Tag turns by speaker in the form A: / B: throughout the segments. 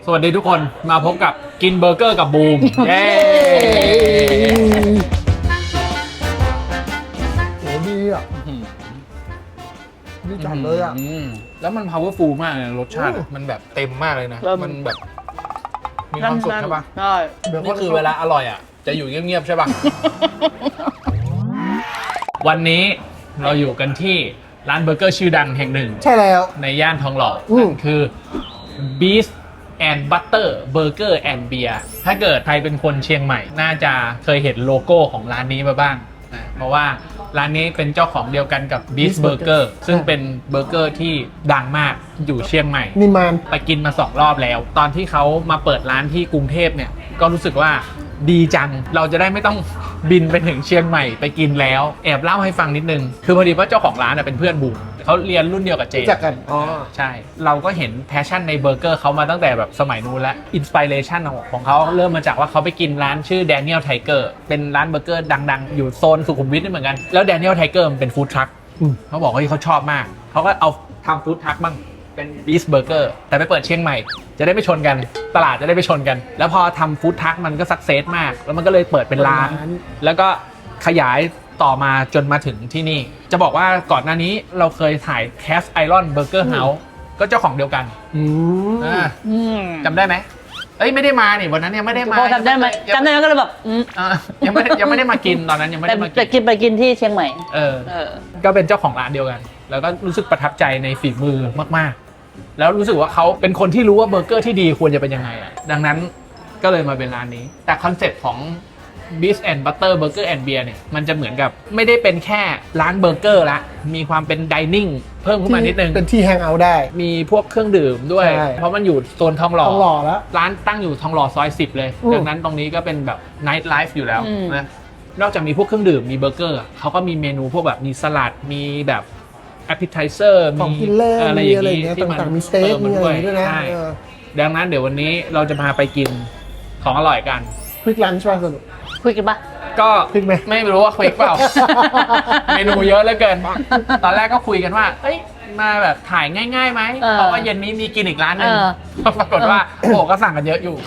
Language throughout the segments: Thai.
A: สวัสดีทุกคนมาพบกับกินเบอร์เกอร์กับบูมเย้
B: โหดีอ่ะดีจัดเลยอ่ะ
A: แล้วมัน powerful มากเลยรสชาติมันแบบเต็มมากเลยนะมันแบบมีความสุขใช่ปะ
C: ใช่
A: นี่คือเวลาอร่อยอ่ะจะอยู่เงียบๆใช่ปะวันนี้เราอยู่กันที่ร้านเบอร์เกอร์ชื่อดังแห่งหนึ่ง
B: ใช่แล้ว
A: ในย่านทองหล่อนั่นคือ Beast and Butter Burger and Beer ถ้าเกิดใครเป็นคนเชียงใหม่น่าจะเคยเห็นโลโก้ของร้านนี้มาบ้างเพราะว่าร้านนี้เป็นเจ้าของเดียวกันกับ Beast Burger ซึ่งเป็นเบอร์เกอร์ที่ดังมากอยู่เชียงใหม่
B: นิมาน
A: ไปกินมา2 รอบแล้วตอนที่เขามาเปิดร้านที่กรุงเทพเนี่ยก็รู้สึกว่าดีจังเราจะได้ไม่ต้องบินไปถึงเชียงใหม่ไปกินแล้วแอบเล่าให้ฟังนิดนึงคือพอดีว่าเจ้าของร้านเป็นเพื่อนบูมเขาเรียนรุ่นเดียวกับเจ
B: จากกันอ๋อ
A: ใช่เราก็เห็นแพชชั่นในเบอร์เกอร์เขามาตั้งแต่แบบสมัยนู้นแล้วอินสปิเรชันของเขาเริ่มมาจากว่าเขาไปกินร้านชื่อ Daniel Tiger เป็นร้านเบอร์เกอร์ดังๆอยู่โซนสุขุมวิทนี่เหมือนกันแล้ว Daniel Tiger มันเป็นฟู้ดทรัคเขาบอกว่าเขาชอบมากเขาก็เอาทำฟู้ดทรัคบ้างเป็นบีสเบอร์เกอร์แต่ไปเปิดเชียงใหม่จะได้ไม่ชนกันตลาดจะได้ไม่ชนกันแล้วพอทำฟู้ดทรัคมันก็สักเซสมากแล้วมันก็เลยเปิดเป็นร้านแล้วก็ขยายต่อมาจนมาถึงที่นี่จะบอกว่าก่อนหน้านี้เราเคยถ่าย Cast Iron Burger House ก็เจ้าของเดียวกันจำได้ไหมเอ้ยไม่ได้มานี่วันนั้นยังไม่ได้มา
C: จำได้ไหมจำได้ก็เลยแบบ
A: ยังไม่ได้มากินตอนนั้นยังไม่ได้มากิน
C: แต่ไปกินที่เชียงใหม่
A: ก็เป็นเจ้าของร้านเดียวกันแล้วก็รู้สึกประทับใจในฝีมือมากๆแล้วรู้สึกว่าเขาเป็นคนที่รู้ว่าเบอร์เกอร์ที่ดีควรจะเป็นยังไงอ่ะดังนั้นก็เลยมาเป็นร้านนี้แต่คอนเซ็ปต์ของ Beast and Butter Burger and Beer เนี่ยมันจะเหมือนกับไม่ได้เป็นแค่ร้านเบอร์เกอร์ละมีความเป็นไดนิ่งเพิ่มขึ้นมานิดนึง
B: เป็นที่แฮงเอาท์ได้
A: มีพวกเครื่องดื่มด้วยเพราะมันอยู่โซนทองหล่อ
B: แล้ว
A: ร้านตั้งอยู่ทองหล่อซอย10เลยดังนั้นตรงนี้ก็เป็นแบบ night life อยู่แล้วนะนอกจากมีพวกเครื่องดื่มมีเบอร์เกอร์เขาก็มีเมนูพวกแบบมีสลัดมีแบบ appetizer
B: มีอะไรอย่างนี้ที่มันมีสเต็กมีอะไรด้วยนะ
A: ดังนั้นเดี๋ยววันนี้เราจะพาไปกินของอร่อยกัน
B: ควิกลันช์ป่ะสนุก
C: คุยกันปะ
A: ก็ไม่รู้ว่าควิกเปล่า เมนูเยอะเหลือเกินตอนแรกก็คุยกันว่าเอ้ยมาแบบถ่ายง่ายๆไหมเพราะว่าเย็นนี้มีกินอีกร้านนึงปรากฏว่าโอ้ก็สั่งกันเยอะอยู่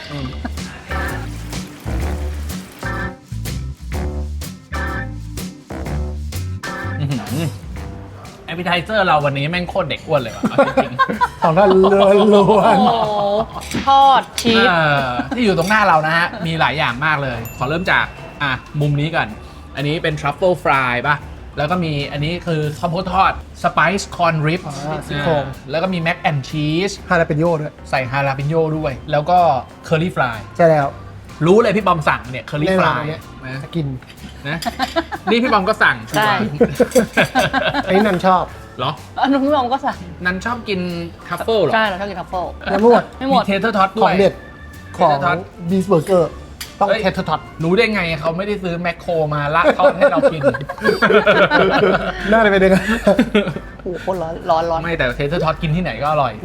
A: แอปเปิลไทเซอร์เราวันนี้แม่งโคตรเด็กอ้วนเลยว่ะจริง
B: ๆของท่านล้วน
C: ทอดชีส
A: ที่อยู่ตรงหน้าเรานะฮะมีหลายอย่างมากเลยขอเริ่มจากมุมนี้ก่อนอันนี้เป็นทรัฟเฟิลฟรายป่ะแล้วก็มีอันนี้คือข้าวโพดทอดสไปซ์คอนริบแล้วก็มีแม็กแอนด์ชีส
B: ฮาลาเปนโญ่ด้วย
A: ใส่ฮาลาเปนโญ่ด้วยแล้วก็เคอรี่ฟราย
B: ใช่แล้ว
A: รู้เลยพี่บอมสั่งเนี่ยเคอรี่ฟราย
B: นะกิน
A: นะนี่พี่บอมก็สั่ง
C: ใช่
B: ไอ้นันชอบ
A: เหรอ
C: นุ้พี่บอมก็สั่ง
A: นันชอบกินทัฟเฟิลเหรอ
C: ใช่เราชอบกินทัฟเฟิล
B: แล้วไม่หมด
C: ไม่หมด
A: เทเทอร์ท็อตด้วย
B: ของเด็ดของบีสเบอร์เกอร์ต้องเทเทอร์ท็อต
A: รู้ได้ไงเขาไม่ได้ซื้อแมคโครมาละทอดให้เรากิน
B: น่าจะเป็นยังไง
C: โอ้โหร้อน
A: ไม่แต่เทเทอร์ท็อตกินที่ไหนก็อร่อย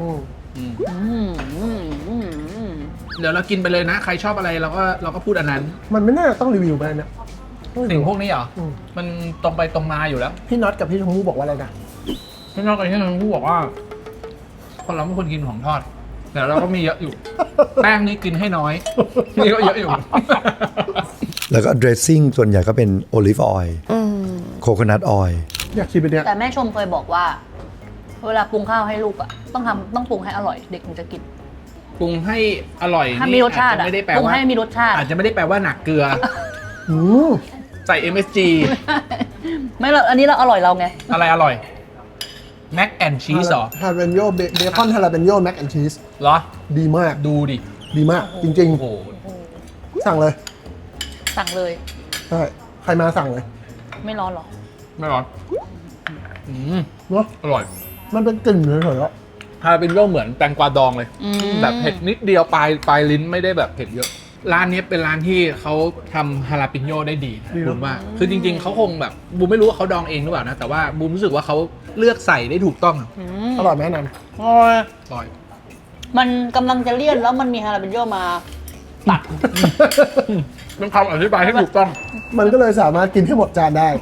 A: เดี๋ยวเรากินไปเลยนะใครชอบอะไรเราก็พูดอันนั้น
B: มันไม่น่าต้องรีวิวไปนะ
A: สิ่งพวกนี้เหรอมันตรงไปตรงมาอยู่แล้ว
B: พี่น็อตกับพี่ชมพู่บอกว่าอะไรนะ
A: พี่น็อตกับพี่ชมพู่บอกว่าคนเราไม่ควรกินของทอดแต่เราก็มีเยอะอยู่แป้งนี่กินให้น้อยนี่ก็เยอะอยู่
D: แล้วก็เดรสซิ่งส่วนใหญ่ก็เป็นโอลิฟออยล์โคโคนัทออยล์
B: อยากชิมไปเนี่ย
C: แต่แม่ชมเคยบอกว่าเวลาปรุงข้าวให้ลูกอ่ะต้องปรุงให้อร่อยเด็กถึงจะกิน
A: ปรุงให้อร่อย
C: ถ้ามีรสชาติไม่ได้แปลว่าปรุงให้มีรสชาติ
A: อาจจะไม่ได้แปลว่าหนักเกลือใส่ MSG
C: ไม่เราอันนี้เราอร่อยเราไง
A: อะไรอร่อยแม็กแอนชีสเหรอ
B: ฮาลาเปนโญ่เบคอนฮาลาเปนโญ่แม็กแอนชีส
A: เหรอ
B: ดีมาก
A: ดูดิ
B: ดีมากจริงๆโอ้สั่งเลยใช่ใครมาสั่งเลย
C: ไม่ร้อนหรอ
A: ไม่ร้อน
B: เนาะ
A: อร่อย
B: มันเป็นกลิ่นเฉย
A: ๆฮาลาเปนโญ่เหมือนแตงกวาดองเลยแบบเผ็ดนิดเดียวปลายลิ้นไม่ได้แบบเผ็ดเยอะร้านนี้เป็นร้านที่เขาทำฮาลาปิโญ่ได้ดีบูมว่าคือจริงๆเขาคงแบบบูมไม่รู้ว่าเขาดองเองหรือเปล่านะแต่ว่าบูมรู้สึกว่าเขาเลือกใส่ได้ถูกต้อง
B: อร่อยไหมนัน
C: อร่อยมันกำลังจะเลี่ยนแล้วมันมีฮาลาปิโญ่มาตัด
A: เป็นคำอธิบายที่ถูกต้อง
B: มันก็เลยสามารถกินให้หมดจานได้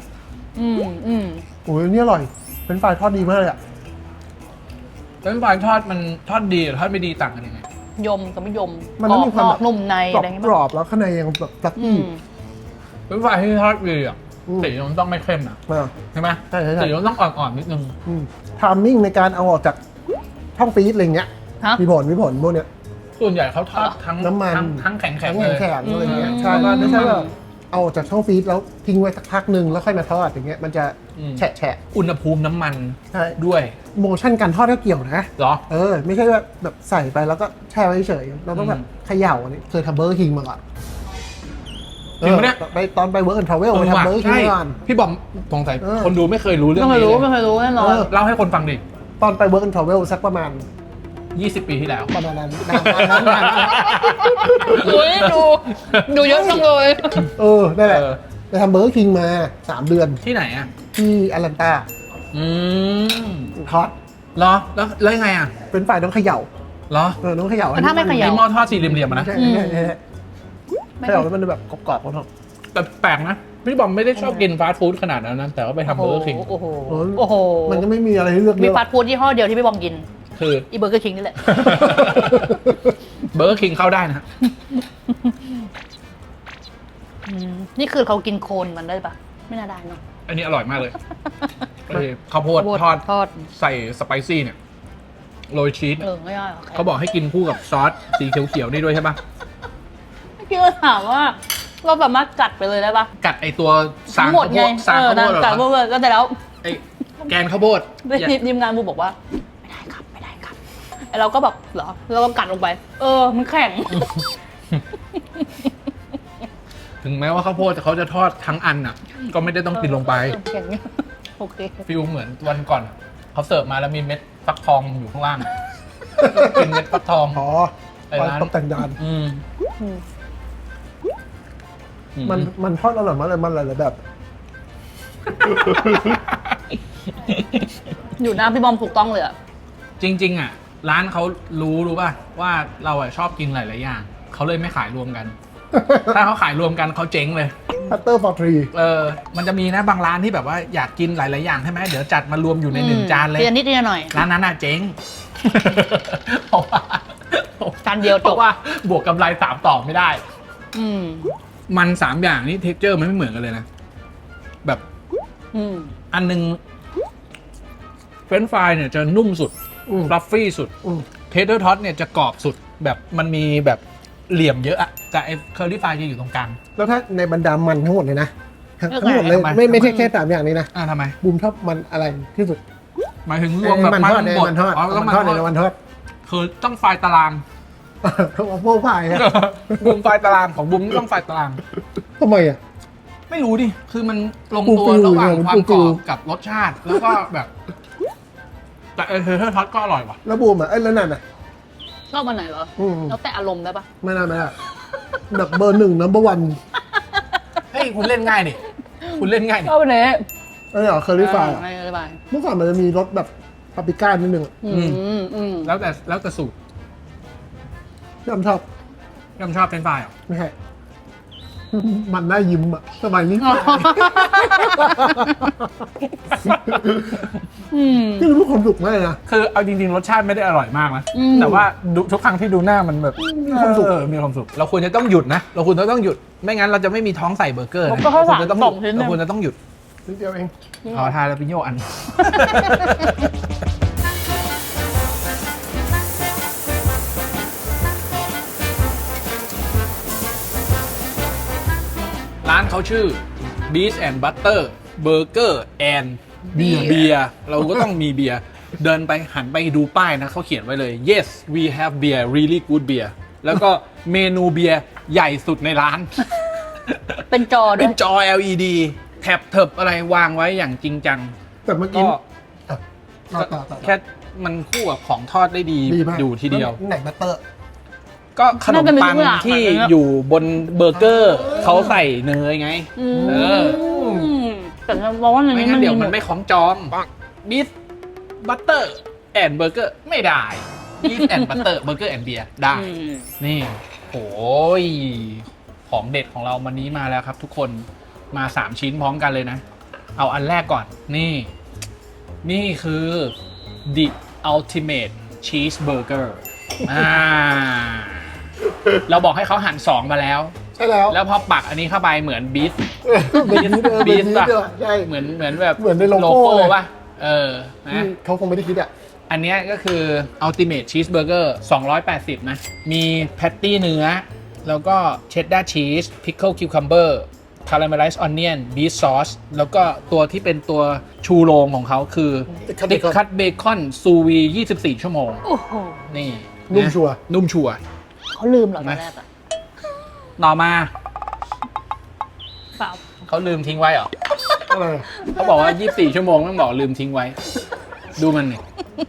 B: โอ้ยนี่อร่อยเป็นฝ่ายทอดดีมากเลยอ่ะ
A: เป็นฝ่ายทอดมันทอดดีหรือทอดไม่ดีต่างกันยังไง
C: ยมกับไม่ยม
B: มันต้องมีความ
C: กร
B: แบ
C: อบบ นุ่มใน
B: กรอ
C: อะ
B: บ
C: ไรอย่างเงี้ย
B: กรอบแล้วข้างในยังแบบซัก
C: อื
B: กี้
C: ม
A: เป็นไฟรายที่ทอดดีอ่ะ
B: อืม
A: สีมันต้องไม่เข้มนะ
B: อ่า
A: ใช่ไหม
B: ใช่ใช่
A: สีมันต้องอ่อนๆนิดนึง
B: ทามมิ่งในการเอาออกจากช่องฟรีซอะไรเงี้ย
C: ฮะ
B: มีผลพวกเนี้ย
A: ส่วนใหญ่เขาทอดทั้ง
B: น้ำมัน
A: ทั้งแข็ง
B: แข็ง
A: ๆเลย
B: แข็งอะไรเงี้ย
C: อืม
B: ใช่ก็ไม่ใช่แบบเอาออกจากช่องฟรีซแล้วทิ้งไว้สักพักหนึ่งแล้วค่อยมาทอดอย่างเงี้ยมันจะ
A: อืม
B: แฉะ
A: อุณหภูมิน้ำมัน
B: ใช่
A: ด้วย
B: โมชั่นการทอดก็เกี่ยวนะ
A: เหรอ
B: ไม่ใช่ว่าแบบใส่ไปแล้วก็แช่ไว้เฉยเราต้องแบบเขย่าอันนี้เคยทำเบอร์คิงมาก่อน
A: จริงปะเนี่ย
B: ไปตอนไปเวิร์กแอนด์ทราเวลไปทำเบอร์คิง
A: ใช่
B: ก่อน
A: พี่บอมสงสัย
B: เออ
A: คนดูไม่เคยรู้เรื่อง
C: ไม่เคย
A: นี้
C: รู้
A: เล
C: ไม่
A: ย
C: เคยรู้แน่นอน
B: เออ
A: เล่าให้คนฟังดิ
B: ตอนไปเวิร์กแอนด์ทราเวลสักประมาณ
A: 20 ปีที่แล้ว
B: ประมาณนั้นนาน
C: อุ้ยดูเยอะจังเลย
B: นั่นแหละ
A: เออ
B: ไปทำเบอร์คิงมา 3 เดือน
A: ที่ไหนอ่ะ
B: ที่แอตแลนตา
A: อืม
B: ทอด
A: เหรอแล้วยังไงอ่ะ
B: เป็นฝ่ายต้องเขย่า
A: เหรอ
B: ต้องเขย่า
C: แต่ถ้าไม่เขย่า
A: ไอ้หม้อทอดสี่เหลี่ยมๆอะนะ
B: ใช่
C: อืม
B: ใช่ใช่เขย่าแล้วมันแบบกรอบๆครับ
A: แต่แปลกนะพี่บอมไม่ได้ชอบกินฟาสต์ฟู้ดขนาดนั้นนะแต่ว่าไปทำเบอร์คิง
C: โอ้โห
B: โอ้
C: โอ้โห
B: มันก็ไม่มีอะไรให้เลือกเย
C: มี
B: อะ
C: ฟาสต์ฟู้ดยี่ห้อเดียวที่พี่บอมกิน
A: คือ
C: อีเบอร์เกอร์คิงนี่แหละ
A: เบอร์คิงเข้าได้นะ
C: นี่คือเขากินโคนมันได้ปะไม่น่าได้เนาะ
A: อันนี้อร่อยมากเลยไอ้ข้าวโพดทอดใส่สไปซี่เนี่ยโรยชีส
C: ไม่ได้หรอก
A: เขาบอกให้กินคู่กับซอสสีเขียวๆนี่ด้วยใช่ปะ
C: พี่ก็ถามว่า เราสามารถกัดไปเลยได้ปะ
A: กัดไอตัวสา
C: ทั้
A: ง
C: งหมด
A: ข้าวโพ
C: ไง
A: ดสางข้าวโพดเหร
C: กัดหม
A: อ
C: ดเลยก็แต่แล้ว
A: ไอแกนข้าวโพด
C: ทีมงานบูบอกว่า ไม่ได้ครับไม่ได้ครับไอเราก็แบบเหรอเราก็กัดลงไป มันแข็ง
A: ถึงแม้ว่าข้าวโพดเขาจะทอดทั้งอันอ่ะ ก็ไม่ได้ต้องกินลงไป
C: แข็งโอเค
A: ฟิลเหมือนวันก่อนเขาเสิร์ฟมาแล้วมีเม็ดฟักทองอยู่ข้างล่าง กินเม็ดฟักทอง
B: อ๋อ
A: ไอ้ร้าน
B: ตกแต่งจาน
A: อืม
B: มันทอดอร่อยมากเลยมันหลายๆแบบ
C: อยู่หน้าพี่บอมถูกต้องเลยอะ
A: จริง ๆ อ่ะ ร้านเขารู้ป่ะว่าเราอ่ะชอบกินหลายๆอย่างเขาเลยไม่ขายรวมกัน ถ้าเขาขายรวมกันเขาเจ๊งเลย
B: Butter for three
A: มันจะมีนะบางร้านที่แบบว่าอยากกินหลายๆอย่างใช่ไหมเดี๋ยวจัดมารวมอยู่ในหนึ่งจานเลย
C: ทีละนิดทีละหน่อย
A: ร้านนั้นน่ะเจ๊ง เพราะว่า
C: จานเดียวจบ
A: เพราะว่าบวกกำไร3ต่อไม่ได้
C: อืม
A: มัน3อย่างนี่เท็กเจอร์มันไม่เหมือนกันเลยนะ แบบ
C: อืม
A: อันนึงเฟรนช์ฟรายเนี่ยจะนุ่มสุด
B: อืม
A: ฟลัฟฟี่สุด เทเดอร์ท็อตเนี่ยจะกรอบสุดแบบมันมีแบบเหลี่ยมเยอะอะแต่ไอ้เคอร์รี่ฟรายจะอยู่ตรงกลาง
B: แล้วถ้าในบรรดามันทั้งหมดเลยนะทั้ง
C: เลือก
B: หมดเลย
A: ทำไม
B: ไม่ใช่แค่สามอย่างนี้นะ
A: ทำไม
B: บูมชอบมันอะไรที่สุด
A: หมายถึงรวมแบบ
B: มันทอด
A: บด
B: มันทอด
A: อ๋อต้อง
B: มัน
A: มัน
B: ทอด
A: ทอด
B: ในมันทอด
A: คือต้องไฟล์ตาราง
B: เอาพวกพายอะ
A: บุมไฟล์ตารางของบุมต้องไฟล์ตาราง
B: ทำไมอ่ะ
A: ไม่รู้ดิ คือมันลง
B: ฟู
A: ตัว
B: ๆ
A: ระหว่าง
B: เนี่ย
A: ความกร
B: ฟู
A: อบ
B: ๆ
A: กับรสชาติ แล้วก็แบบ แต่เทเดอร์ท็อตก็อร่อยว่ะ
B: แล้วบูมอ่ะแล้วนั่นอ่ะ
C: ชอบมันไหนเหรอ
B: อืม
C: แล้วแต่อารมณ์ได้ปะ
B: ไม่ได้แบบเบอร์หนึ่งnumber one
A: เฮ้ย คุณเล่นง่ายดิคุณเล่นง่ายดิ
C: ชอบอันนี้
B: อันนี้เหรอเคอรี่ฟราย
C: ไม่ได้ไป
B: เมื่อก่อนมันจะมีรสแบบปาปริก้านิดนึงอะ
A: แล้วแต่สูตร
B: ที่ผมชอบ
A: ยำชอบเฟรนช์ฟรายเหรอ
B: ไม่ใช่ มันน่ายิ้มอ่ะสมัยนี้ ที่รู้ความสุขมากเลยนะ
A: คือเอาจริงๆ รสชาติไม่ได้อร่อยมากนะ
C: อืม
A: แต่ว่าทุกครั้งที่ดูหน้ามันแบบ
B: มีความสุข
A: มีความสุข เราควรจะต้องหยุดนะ เราควรจะต้องหยุด ไม่งั้นเราจะไม่มีท้องใส่เบอร์เกอร์
C: ผม
A: นะ
C: ก็เข้า
A: เราควรจะต้องหยุด
C: 2 ชิ้น
A: เราควรจะต้องหยุด
B: นิดเดียวเอง
A: ขอทานแล้วพิโยอัน ร้านเขาชื่อ Beef and Butter Burger and เบียร์เราก็ต้องมีเบียร์ เดินไปหันไปดูป้ายนะเขาเขียนไว้เลย yes we have beer really good beer แล้วก็เมนูเบียร์ใหญ่สุดในร้าน
C: เป็นจอด้
A: เป็
C: วย
A: นจอ LED แถบเถิบอะไรวางไว้อย่างจริงจัง
B: แต่เมื่อกี้
A: ก็
B: ต่อ
A: แค่มันคู่กับของทอดได้ดี
B: ดีมาก
A: อยู่ทีเดียว
B: ไหนบัตเตอร์
A: ก็ขนมปังที่อยู่บนเบอร์เกอร์เขาใส่เนยไง เออ
C: แต่เราบอกว่าใน
A: ไม่
C: นี้
A: งั้
C: มัน น
A: เดี๋ยวมันไม่ของจองบีฟบัตเตอร์แอนเบอร์เกอร์ไม่ได้บีฟแอนบัตเตอร์เบอร์เกอร์แอนเบียร์ได้ นี่โอ้ยของเด็ดของเราวันนี้มาแล้วครับทุกคนมา 3 ชิ้นพร้อมกันเลยนะ เอาอันแรกก่อนนี่คือ The Ultimate Cheeseburger เราบอกให้เขาหั่น2มาแล้ว
B: ใช่แล้ว
A: แล้วพอปักอันนี้เข้าไปเหมือนบีส
B: เบนนี้เบน
A: บีส
B: นี้
A: ป่ะ
B: เดียวใช่
A: เหมือนแบบ
B: เหมือนในโลโก้เลย
A: ป่ะนะ
B: เขาคงไม่ได้คิดอ่ะ
A: อันเนี้ยก็คือ Ultimate Cheeseburger 280 นะ มีแพตตี้เนื้อ แล้วก็เชดดาร์ชีส pickle cucumber caramelized onion beef sauce แล้วก็ตัวที่เป็นตัวชูโรงของเขาคือ
B: Thick
A: ติก
B: cut
A: คัตเบคอนซูวี24 ชั่วโมง
C: โอ้โห
A: นี่
B: นุ่มชัวร์
A: นุ่มชัวร์
C: เขาลืมเหรอตอนแรกอะ
A: ต่อมา
C: เปล่า
A: เขาลืมทิ้งไว้เหรอ
B: อะไรอะ
A: เขาบอกว่า 24 ชั่วโมงต้องบอกลืมทิ้งไว้ ดูมันนี่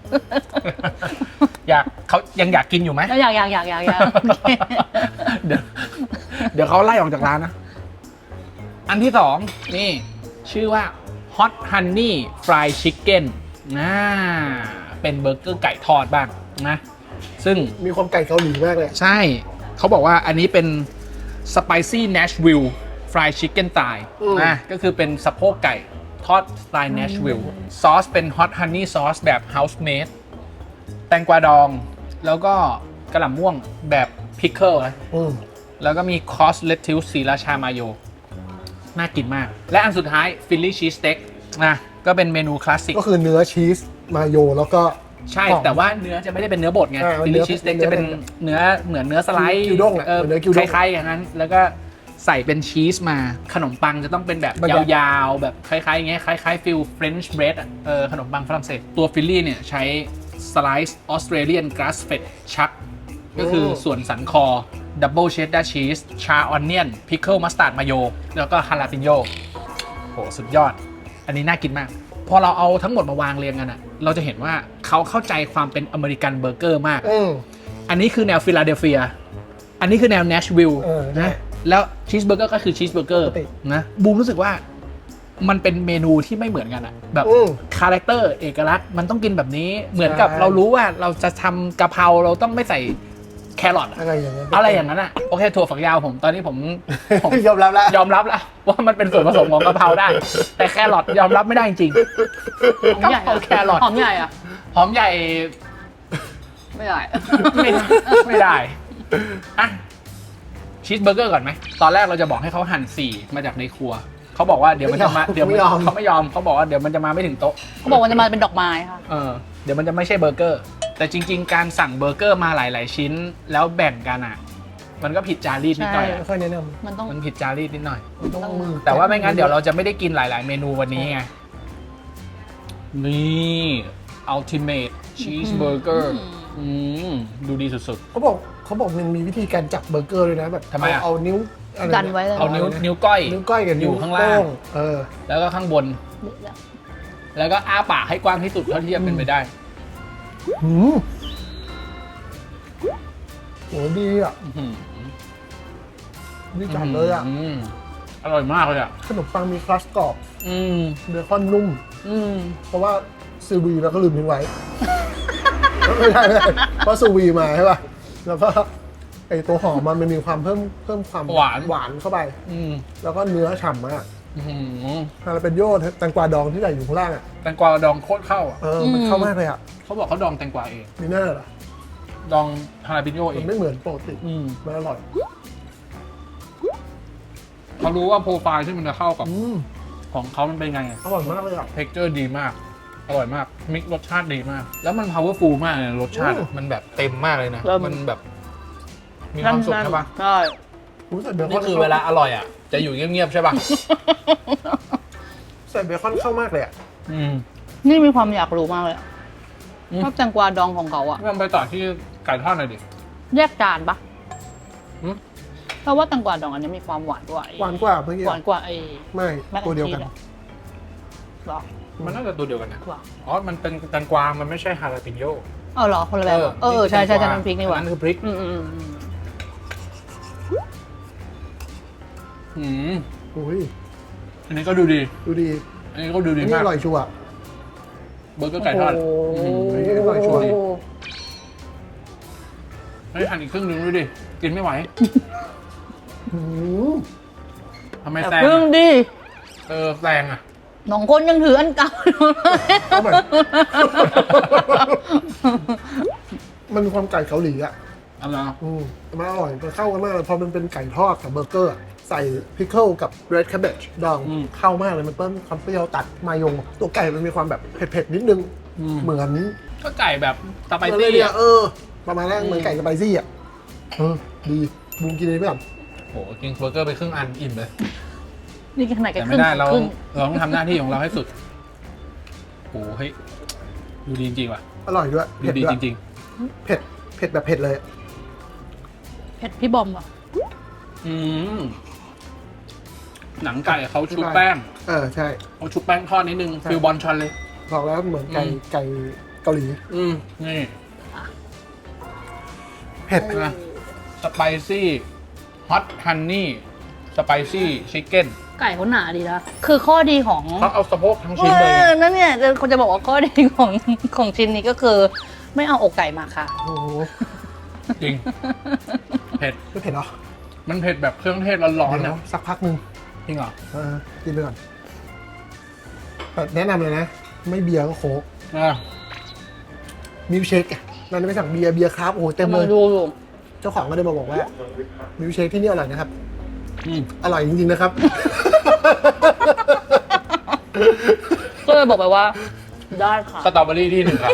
A: เขายังอยากกินอยู่ไหม
C: แล้วอยากโอเค
A: เดี๋ยวเขาไล่ออกจากร้านนะ อันที่สองนี่ชื่อว่า Hot Honey Fried Chicken เป็นเบอร์เกอร์ไก่ทอดบ้างนะ ซึ่ง
B: มีความไก่เกาหลีมากเลย
A: ใช่ เขาบอกว่าอันนี้เป็น Spicy Nashville Fried Chicken Thigh นะก็คือเป็นสะโพกไก่ทอดสไตล์ Nashville ซอสเป็น Hot Honey Sauce แบบ House Made แตงกวาดอง แล้วก็กระหล่ำม่วงแบบ Pickle นะ
B: อืม
A: แล้วก็มีคอสเลตทิลสีราชามาโย น่ากินมาก และอันสุดท้ายฟิลลี่ชีสเต็กนะก็เป็นเมนูคลาสสิก
B: ก็คือเนื้อชีสมาโยแล้วก็
A: ใช่
B: หอม
A: แต่ว่าเนื้อจะไม่ได้เป็นเนื้อบดไง
B: มัน
A: ฟิล
B: เนื้
A: ลี่
B: อ
A: ชีสเต็ก
B: เนื้อ
A: จะเป็นเนื้อเหมือนเนื้อสไลด์
B: กิวด้งอะเหมือนเนื้อกิวด้ง
A: คล้ายๆอย่างนั้น แล้วก็ใส่เป็นชีสมาขนมปังจะต้องเป็นแบบ
B: บรรยาย
A: ยาวๆ แบบคล้ายๆอย่างเงี้ยคล้ายๆฟิลเฟรนช์เบรดอ่ะขนมปังฝรั่งเศสตัวฟิลลี่เนี่ยใช้สไลซ์ออสเตรเลียนกราสเฟดชักก็คือส่วนสันคอดับเบิลเชดดาร์ชีสชาออนเนียนพิคเกิลมัสตาร์ดมาโยแล้วก็ฮาลาปิโยโหสุดยอด อันนี้น่ากินมาก พอเราเอาทั้งหมดมาวางเรียงกันอะเราจะเห็นว่าเขาเข้าใจความเป็นอเมริกันเบอร์เกอร์มาก อันนี้คือแนวฟิลาเดลเฟีย อันนี้คือแนวเนชวิลล์
B: ใช่
A: นะ แล้วชีสเบอร์เกอร์ก็คือชีสเบอร์เกอร์
B: ปกติ
A: นะ บูมรู้สึกว่ามันเป็นเมนูที่ไม่เหมือนกันอะแบบคาแรคเตอร์เอกลักษณ์มันต้องกินแบบนี้ เหมือนกับ
B: ใช่
A: เรารู้ว่าเราจะทำกะเพราเราต้องไม่ใส่แครอทอะ
B: อะไรอย่างเงี้ย
A: อะไรอย่างนั้นอะโอเคถั่วฝักยาวผมตอนนี้ผม
B: ยอมรับแล้ว
A: ยอมรับแล้วว่ามันเป็นส่วนผสมของกะเพราได้ แต่แครอทยอมรับไม่ได้จริง
C: หอมใหญ่
A: กะเพราแครอท
C: หอมใหญ่อะ
A: หอมใหญ่
C: ไม่ได้
A: ไม่ได้อะชีสเบอร์เกอร์ก่อนไหมตอนแรกเราจะบอกให้เขาหั่น4มาจากในครัวเขาบอกว่าเดี๋ยวมันจะมาเดี๋ยวมันเขาไม่ยอมเขาบอกว่าเดี๋ยวมันจะมาไม่ถึงโต๊ะ
C: เขาบอกว่าจะมาเป็นดอกไม้ค่ะ
A: เดี๋ยวมันจะไม่ใช่เบอร์เกอร์ แต่จริง ๆ การสั่งเบอร์เกอร์มาหลาย ๆ ชิ้น แล้วแบ่งกันอ่ะ มันก็ผิดจารีตนิดหน่อย
C: ใช่
A: อะ
B: ค่อยแนะน
C: มันต้อง
A: มันผิดจารีตนิดหน่อย
B: ำต้องมือ
A: แต่ว่าไม่งั้นเดี๋ยวเราจะไม่ได้กินหลาย ๆ เมนูวันนี้ไง นี่ Ultimate Cheeseburger ดูดีสุด
B: เขาบอกมันมีวิธีการจับเบอร์เกอร์ด้วยนะแบบ
A: ทำไมอะ
B: เอานิ้วอะไร
C: ดันไว้เลย
A: ๆ เอานิ้วก้อย
B: นิ้วก้อยกับ
A: อยู่
B: นิ้ว
A: ข้างล่าง
B: โป้
A: แล้วก็ข้างบน แล้วก็อ้าปากให้กว้างที่สุดเท่าที่จะเป็นไปได้
B: หืมโหดีอ่ะ
A: อื้อหือ
B: ดีจัดเลยอ่ะ
A: มอร่อยมากเลยอ่ะ
B: ขนมปังมีครัสกรอบ
A: อืม
B: เบคอนนุ่ม
A: อืม
B: เพราะว่าซูวีเราก็ลืมทิ้งไว้ ไม่ได้เพราะซูวีมาใช่ป่ะแล้วก็ไอตัวหอมมันมีความเพิ่มความหวานเข้าไป
A: อืม
B: แล้วก็เนื้อฉ่ำมาก
A: อื้อหือ
B: ฮาลาเปนโยแตงกวาดองที่ใส่อยู่ข้างล่างอ่ะ
A: แตงกวาดองโคตรเข้าอ่ะ
B: มันเข้ามากเลยอ่ะ
A: เขาบอกเขาดองแตงกวาเอง
B: มีหน้าเหรอ
A: ดองฮาราปิโยเอ
B: มัน
A: ง
B: ไม่เหมือนปกติ
A: อืม
B: มันอร่อย
A: เขารู้ว่าโปรไฟล์ที่มันจะเข้ากับ
B: อืม
A: ของเขามันเป็นไง
B: อร่อยมากเลยอ่ะ
A: เท็กเจอร์ดีมาก อร่อยมาก มิกรสชาติดีมาก แล้วมัน powerful มากเลยรสชาติอะ
B: โอ้
A: มันแบบเต็มมากเลยนะ
C: เริ่ม
A: มันแบบ มีความสุขใช่ปะ
C: ใช่
B: ใส่เบค
A: นี่
B: อน
A: คือเวลาอร่อยอ่ะ จะอยู่เงียบๆใช่ปะ
B: ใส่เบคอนเข้ามากเลยอ่ะ
A: อืม
C: นี่มีความอยากรู้มากเลยอะ
A: อืม
C: ชอบแตงกวาดองของเขาอะ
A: งั้นไปต่อที่ไก่ทอดหน่อยดิ
C: แยกจานปะ
A: หืม
C: เพราะว่าแตงกวาดองอันนี้มีความหวานกว่าไอ้
B: หวานกว่าเมื่อกี้
C: หวานกว่าไอ้
B: ไม่
C: แม็ก
B: ตัวเดียวกัน
C: แอนด์ชีสเหรอ
A: มันน่าจะตัวเดียวกันนะ
C: หรอ
A: อ๋อ มันเป็นแตงกวา มันไม่ใช่ฮาราปิโย
C: เอาเหรอคนละแบบเหรอใช่ใช่ใช่น้ำพริกนี่หว่า
A: นั่นคือพริก อืม
B: อุ้ย
A: อันนี้ก็ดูดี
B: ดูดี
A: อันนี้ก็ดู
B: อั
A: ดี
B: นนี้
A: มาก
B: อร่อยชัวร์
A: เบอร์เกอร์ไก่ทอด
C: โอ้โห
B: อันนี้อร่อยชัวร์
A: เฮ้ยหั่นอีกครึ่งหนึงดูดิ กินไม่ไหว
B: อืม
A: ทำไม
C: แต่
A: แซง
C: เพิ่ง
A: อะ
C: ดิ
A: แซงอ่ะ
C: น้องคนยังถืออันเก่าอยู่เลย
B: เอาใหม่ มันมีความไก่เกาหลีอ่ะ
A: เอาละ
B: มันอร่อยมันเข้ากันมากเลยพอมันเป็นไก่ทอดกับเบอร์เกอร์ใส่พิคเกิลกับเรดแคเบจดองเข้ามากเลยมันเพิ่มความเปรี้ยวตัดมายงตัวไก่มันมีความแบบเผ็ดๆนิดนึงเหมือน
A: ก็ไก่แบบสไป
B: เหมือน
A: ซี่
B: เนี่ยประมาณนั้นเหมือนไก่สไปซี่อ่ะดีบูมกินอันนี้ไปก่อน
A: โหกินเบอร์เกอร์ไปครึ่งอันอิ่มเลย
C: นี่ขนาดแค่
A: แต่
C: ค
A: ไม่
C: รึ่ง
A: ได้เรา
C: ครึ่ง
A: ต้องทำหน้าที่ของเราให้สุดโหเฮ้ยดูดีจริงๆว่ะ
B: อร่อยด้วย
A: ดู
B: เผ็ด
A: ดี
B: ด้วย
A: จริง
B: เผ็ดแบบเผ็ดเลย
C: เผ็ดพี่บอมอ่ะ
A: ๆหนังไก่เขาชุบแป้ง
B: ใช่
A: เขาชุบแป้งทอดนิดนึงฟิลบอลชอนเลย
B: บอกแล้วเหมือนไก่เกาหลี
A: นี่
B: เผ็ด
A: นะสไปซี่ฮอตฮันนี่สไปซี่ชิคเก้น
C: ไก่เขาหนาดีนะ คือข้อดีของ
A: เขาเอาสะโพกทั้งชิ้นเลย
C: นั่นเนี่ยคนจะบอกว่าข้อดีของชิ้นนี้ก็คือ ไม่เอาอกไก่มาค่ะ
B: โอ้โห
A: จริง เผ็ด
B: ไม่เผ็ดเหรอ
A: มันเผ็ดแบบเครื่องเทศร้อนๆ
B: เดี๋ย
A: นะ
B: วสักพักหนึ่ง
A: จริงเหรอ
B: กินไปก่อนแต่แนะนำเลยนะ ไม่เบียร์ก็โค้ก
A: อ่ะ
B: มิลค์เชคนั่นไม่สั่งเบียร์ครับโอ้โหเต็มเลย
C: ดูอยู่
B: เจ้าของก็เลยมาบอกว่ามิลค์เชคที่นี่อร่อยนะครับ
A: อืม
B: อร่อยจริงๆนะครับ
C: ก็เลยบอกไปว่า ได้ค่ะ
A: สตรอเบอรี่ที่หนึ่งครับ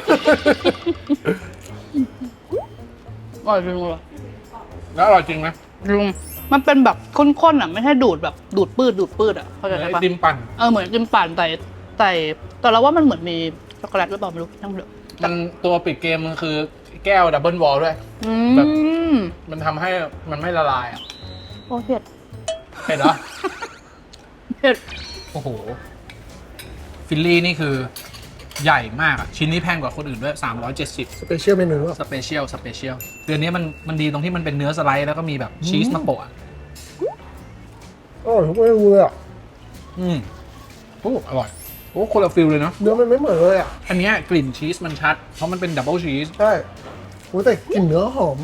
C: อร่อยจริงเลย
A: แล้วอร่อยจริงไหม
C: ลุงมันเป็นแบบข้นๆอ่ะ ไม่ใช่ดูดแบบดูดปืดอ่ะเข้าใจ
A: ไอ
C: ปะ
A: ติมปั่น
C: เหมือนจิมปั่นแต่เราว่ามันเหมือนมีช็อกโกแลตหรือเปล่าไม่รู้ทั้งเดือ
A: มันตัวปิดเกมมันคือแก้วดับเบิลวอลด้วย แบบ มันทำให้มันไม่ละลายอ่ะ
C: โอ้เผ็ด
A: เผ็ดเหรอ
C: เผ็ด
A: โอ้โห ฟิลลี่นี่คือใหญ่มากอ่ะ ชิ้นนี้แพงกว่าคนอื่นด้วย 370
B: สเปเชียลเมนูอ่ะ
A: สเปเชียลเดือนนี้มันดีตรงที่มันเป็นเนื้อสไลด์แล้วก็มีแบบชีสมาโปะอะ
B: อร่อยทุกเมนูเลยอ่ะ
A: โอ้อร่อย โอ้คนละฟิลเลยเนาะ
B: เนื้อมันไม่เหมือนเลยอ่ะ
A: อันเนี้ยกลิ่นชีสมันชัด เพราะมันเป็นดับเบิลชีส
B: ใช่โอ้แต่กลิ่นเนื้อหอม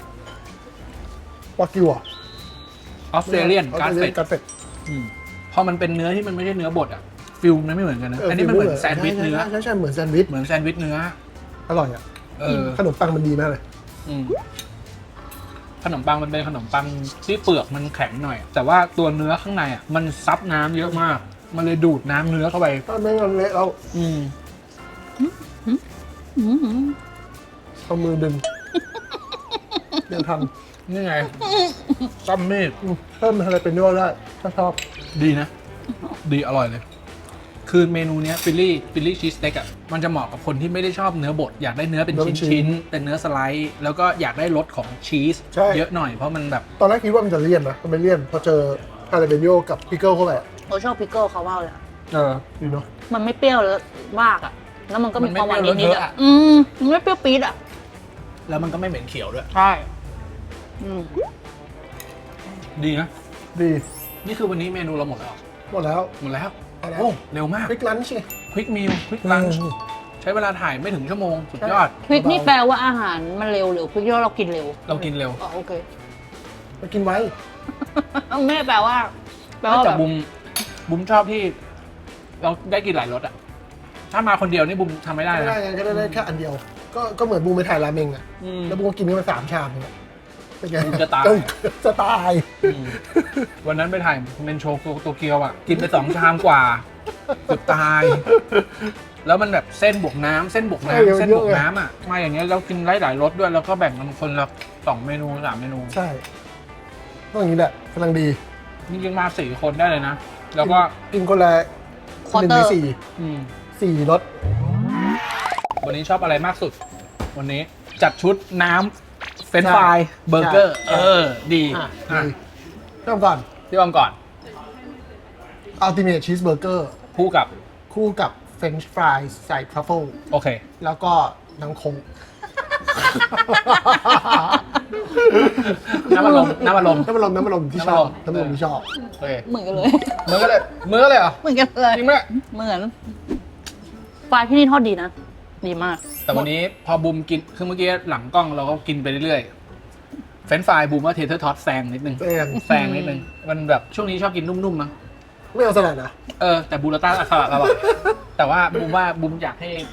B: วากิวอ่ะ
A: ออสเตรเลียนการ์เฟต
B: การเฟต
A: พอมันเป็นเนื้อที่มันไม่ใช่เนื้อบดอ่ะ ฟิลมันไม่เหมือนกันนะ อันนี้มันเหมือนแซนด์วิชเนื้อ
B: ใช่เหมือนแซนด์วิช
A: เหมือนแซนด์วิชเนื้อ
B: อร่อยอ่ะ ขนมปังมันดีมากเลย
A: อืมขนมปังมันเป็นขนมปังที่เปลือกมันแข็งหน่อย แต่ว่าตัวเนื้อข้างในอ่ะมันซับน้ำเยอะมาก มันเลยดูดน้ำเนื้อเข้าไป
B: ถ้าไม่งั้นเละเรา เอามือดึงยังท
A: นี่ไงซัมมีด
B: ำเพิ่มอะไรเป็นด้วยได้ถ้าชอบ
A: ดีนะ ดีอร่อยเลย คือเมนูเนี้ยฟิลลี่ชีสสเต็กอ่ะมันจะเหมาะกับคนที่ไม่ได้ชอบเนื้อบดอยากได้เนื้อเป็นชิ้นๆเป็นเนื้อสไลด์แล้วก็อยากได้รสของชีสเยอะหน่อยเพราะมันแบบ
B: ตอนแรกคิดว่ามันจะเลี่ยนนะมันไม่เลี่ยนพอเจอฮาเลเบโยกับพิกเกิลเข้าไป
C: เราชอบพิกเกิลเขามากเลยอะ
B: ดีเนาะ
C: มันไม่เปรี้ยวแล้วมากอ่ะ แล้วมันก็มีความหวาน
A: มันไม่
C: นิด
A: เปรี้ยว
C: ๆ
A: เลอะ
C: อ่ะ
A: อะ
C: มันไม่เปรี้ยวปี๊ดอ่ะ
A: แล้วมันก็ไม่เหม็นเขียวด้วย
C: ใช่
A: ดีนะ
B: ดี
A: นี่คือวันนี้เมนูเราหมดแล้ว
B: หมดแล้ว
A: หมดแล้ว
B: หมดแล้ว
A: โอ้เร็วมาก
B: พริกลันช์ไง
A: ควิกมิลควิกลันช์ใช้เวลาถ่ายไม่ถึงชั่วโมงสุดยอด
C: พริกนี่แปลว่าอาหารมันเร็วหรือพริกที่เรากินเร็ว
A: เรากินเร็ว
C: อ๋อโอเค
B: ไปกินไว้
C: ไม่แปลว่า
A: นอกจาก
C: แบบ
A: บุมชอบที่ เราได้กินหลายรสอ่ะ ถ้ามาคนเดียวนี่บุมทำไม่ได้
B: ไม่
A: นะ
B: ได้ไงก็ได้แค่อันเดียว ก็เหมือนบูมไปถ่ายราเมงอ่ะ
A: อืม
B: แล้วบูมก็กินกันไป3 ชามเนี่ยเป็นไง
A: บูมจะตาย
B: จะตาย
A: วันนั้นไปถ่ายเมนโชว์โตเกียวอ่ะ กินไป2 ชามกว่าเกือบตาย แล้วมันแบบเส้นบวกน้ำเส้นบวกน้ำเส้นบวกน้ำอ่ะมาอย่างเงี้ยเรากินหลายรสด้วยแล้วก็แบ่งกันคนละ2 เมนู3 เมนู
B: ใช่ต้องอย่างนี้แหละกำลังดี
A: จริงๆมา4 คนได้เลยนะ แล้วก็
B: กินคนละ
C: ควอ
B: 1
C: เตอ
B: ใน
C: ร์
B: 4รส
A: วันนี้ชอบอะไรมากสุด วันนี้จัดชุดน้ำเฟรนช์ฟรายเบอร์เกอร์ ดี
B: อ่ะ
A: อ่ะ
B: ดีเริ่มก่อน
A: พี่บอมก่อน
B: Ultimate Cheeseburger
A: คู่กับ
B: คู่กับ French fries ใส่ทรัฟเฟิล
A: โอเค
B: แล้วก็น้ำคง
A: น้ำอารมณ์น้ำอารมณ์
B: น้ำมันลมที่ชอบ
A: น้ำมันลม
B: ที่ชอบ
A: โอเค
C: เหมือนกันเลย
A: มือก็เลยเหรอ
C: เหมือนกันเลย
A: จริงไหม
C: เหมือนปลาที่นี่ทอดดีนะ ดีมาก
A: แต่วันนี้พอบูมกินคือเมื่อกี้หลังกล้องเราก็กินไปเรื่อยๆเฟรนช์ฟรายบูมว่าเทเทอร์ท็อตแซงนิดนึง แซงนิดนึงมันแบบช่วงนี้ชอบกินนุ่มๆมั้ง
B: ไม่เอาสลัดนะ
A: แต่บูราต้าสลัดอร่อยแต่ว่าบูมอยากให้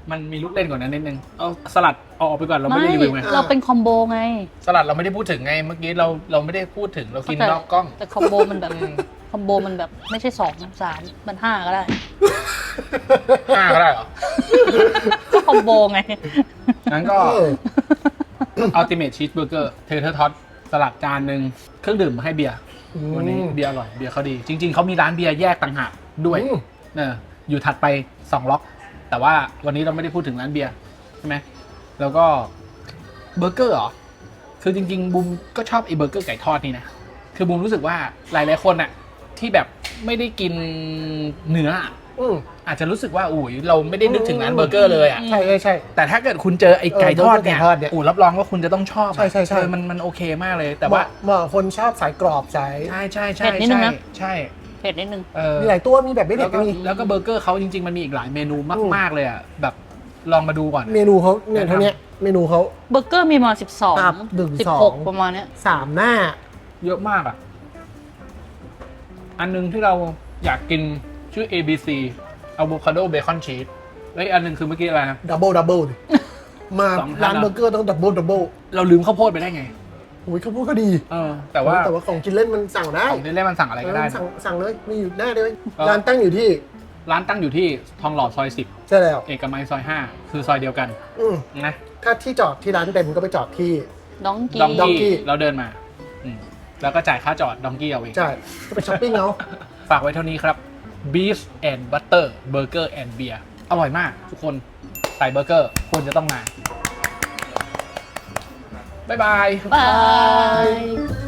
A: มันมีลูกเล่นกว่านั้นนิดนึงเอาสลัดเอาออกไปก่อนเราไม่ได้รีวิวไง
C: เราเป็นคอมโบไง
A: สลัดเราไม่ได้พูดถึงไงเมื่อกี้เราไม่ได้พูดถึงเรากินนอกกล้อง
C: แต่คอมโบมันแบบคอมโบมันแบบไม่ใช่2 3มัน5ก็ได้
A: 5 ก็ได้เหรอ
C: ก็คอมโบไง
A: งั้นก็ Ultimate Cheeseburger เทเทอร์ท็อตสลัดจานหนึ่งเครื่องดื่มให้เบียร์วันนี้เบียร์อร่อยเบียร์เขาดี จริง ๆเขามีร้านเบียร์แยกต่างหากด้วยอยู่ถัดไป2 ล็อก แต่ว่าวันนี้เราไม่ได้พูดถึงร้านเบียร์ใช่ไหมแล้วก็เบอร์เกอร์เหรอคือจริงๆบูมก็ชอบไอ้เบอร์เกอร์ไก่ทอดนี่นะคือบูมรู้สึกว่าหลายๆคนอะที่แบบไม่ได้กินเนื้ออาจจะรู้สึกว่าอุ้ยเราไม่ได้นึกถึงร้านเบอร์เกอร์เลยอ่ะ
B: ใช่ใช่
A: แต่ถ้าเกิดคุณเจอไอ้ไก่ทอดเนี่ย
B: ไก่ทอดเนี่ย
A: อู้รับรองว่าคุณจะต้องชอบอะ
B: ใช่
A: มันโอเคมากเลย แต่
B: แต่
A: ว่า
B: ว่าเหมาะคนชอบสายกรอบสาย
A: ใช่ใช่
C: เผ็ดนิดนึงนะ
A: ใช่
C: เผ็ดนิดนึง
B: มีหลายตัวมีแบบไม่
A: แล้
B: เด็
A: ว
B: ด
A: ก็
B: ก็มี
A: แล้วก็เบอร์เกอร์เขาจริงๆมันมีอีกหลายเมนูมากๆเลยอ่ะแบบลองมาดูก่อน
B: เมนูเขาเนี่ยเท่านี้เมนูเขา
C: เบอร์เกอร์มีประมาณ
B: ครับ
C: 12
B: 12
C: 16 ประมาณเนี้ย
B: 3 หน้า
A: เยอะมากอ่ะอันนึงที่เราอยากกินชื่อ ABC Avocado Bacon Cheese แล้วอีกอันนึงคือเมื่อกี้อะไรนะ
B: ดับเบิลดิมา
A: สองท่าน
B: ร้านเบอร์เกอร์ต้องดับเบิล
A: เราลืมข้าวโพดไปได้ไง
B: โอ้ยเขาพูดก็ดี
A: แต่ว่า
B: ของกินเล่นมันสั่งได้
A: ของเล่นมันสั่งอะไรก็ได้
B: สั่งเลยมีอยู่หน้าเลย
A: เออ
B: ร้านตั้งอยู่ที่
A: ร้านตั้งอยู่ที่ทองหล่อซอย
B: ใช่แล้ว
A: 10 เอกมัยซอย 5 คือซอยเดียวกัน
B: อืม
A: นะ
B: ถ้าที่จอดที่ร้านเต็มก็ไปจอดที่
C: ดองกี้
A: ดอง
B: Donkey
A: กี้เราเดินมาแล้วก็จ่ายค่าจอดดองกี้เอาเอง
B: ใช่ก็ไปช้อปปิ้งเอา
A: ฝากไว้เท่านี้ครับ Beef and Butter Burger and Beer อร่อยมากทุกคนใส่เบอร์เกอร์ควรจะต้องมา บ๊ายบาย
C: บาย